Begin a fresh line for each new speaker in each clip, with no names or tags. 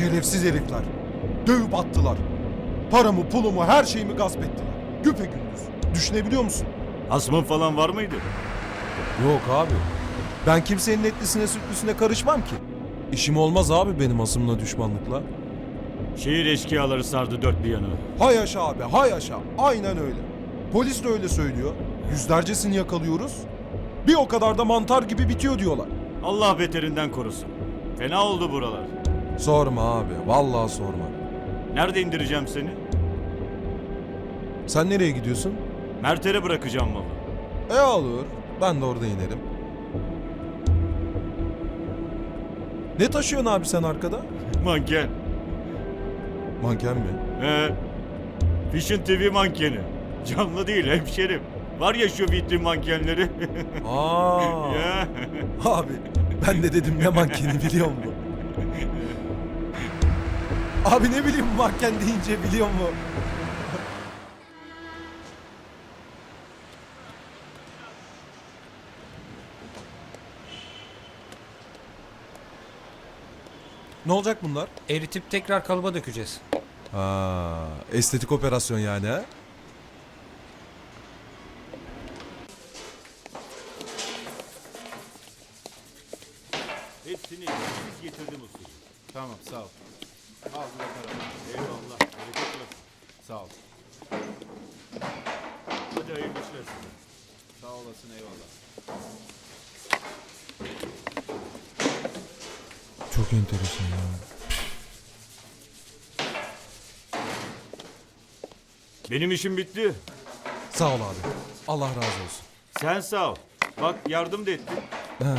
Şerefsiz herifler. Dövüp attılar. Paramı, pulumu, her şeyimi gasp ettiler. Güpegündüz. Düşünebiliyor musun?
Hasmın falan var mıydı?
Yok abi. Ben kimsenin etlisine sütlüsüne karışmam ki. İşim olmaz abi benim asımla düşmanlıkla.
Şehir eşkıyaları sardı dört bir yanı.
Hay yaşa abi, hay yaşa. Aynen öyle. Polis de öyle söylüyor. Yüzlercesini yakalıyoruz. Bir o kadar da mantar gibi bitiyor diyorlar.
Allah beterinden korusun. Fena oldu buralar.
Sorma abi, vallahi sorma.
Nerede indireceğim seni?
Sen nereye gidiyorsun?
Mert'e bırakacağım malı.
Olur. Ben de orada inerim. Ne taşıyorsun abi sen arkada?
Manken.
Manken mi?
Vision TV mankeni. Canlı değil hemşerim. Var ya şu vitrin mankenleri.
Aa.
Ya.
Abi ben de dedim ne mankeni biliyor musun? Abi ne bileyim manken deyince biliyor musun? Ne olacak bunlar?
Eritip tekrar kalıba dökeceğiz.
Ha, estetik operasyon yani ha?
Hepsini siz getirdim usta.
Tamam sağ ol. Al bu da para.
Eyvallah. Bereket versin.
Sağ ol.
Hadi hayırlı işler size.
Sağ olasın eyvallah.
Çok enteresan ya.
Benim işim bitti.
Sağ ol abi. Allah razı olsun.
Sen sağ ol. Bak yardım da ettin.
Ha.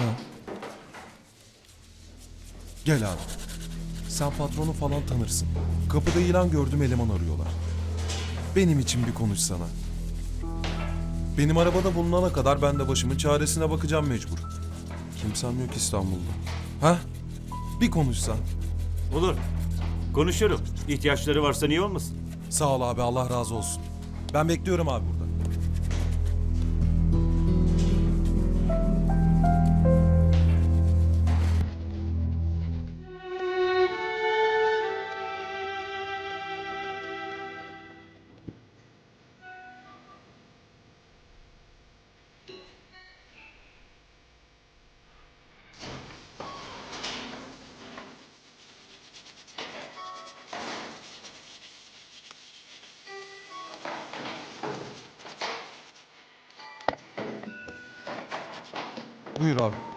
Gel abi. Sen patronu falan tanırsın. Kapıda ilan gördüm eleman arıyorlar. Benim için bir konuşsana. Benim arabada bulunana kadar ben de başımın çaresine bakacağım mecbur. Kimsem yok İstanbul'da. Ha? Bir konuşsan.
Olur. Konuşurum. İhtiyaçları varsa niye olmasın?
Sağ ol abi Allah razı olsun. Ben bekliyorum abi burada. Buyur abi.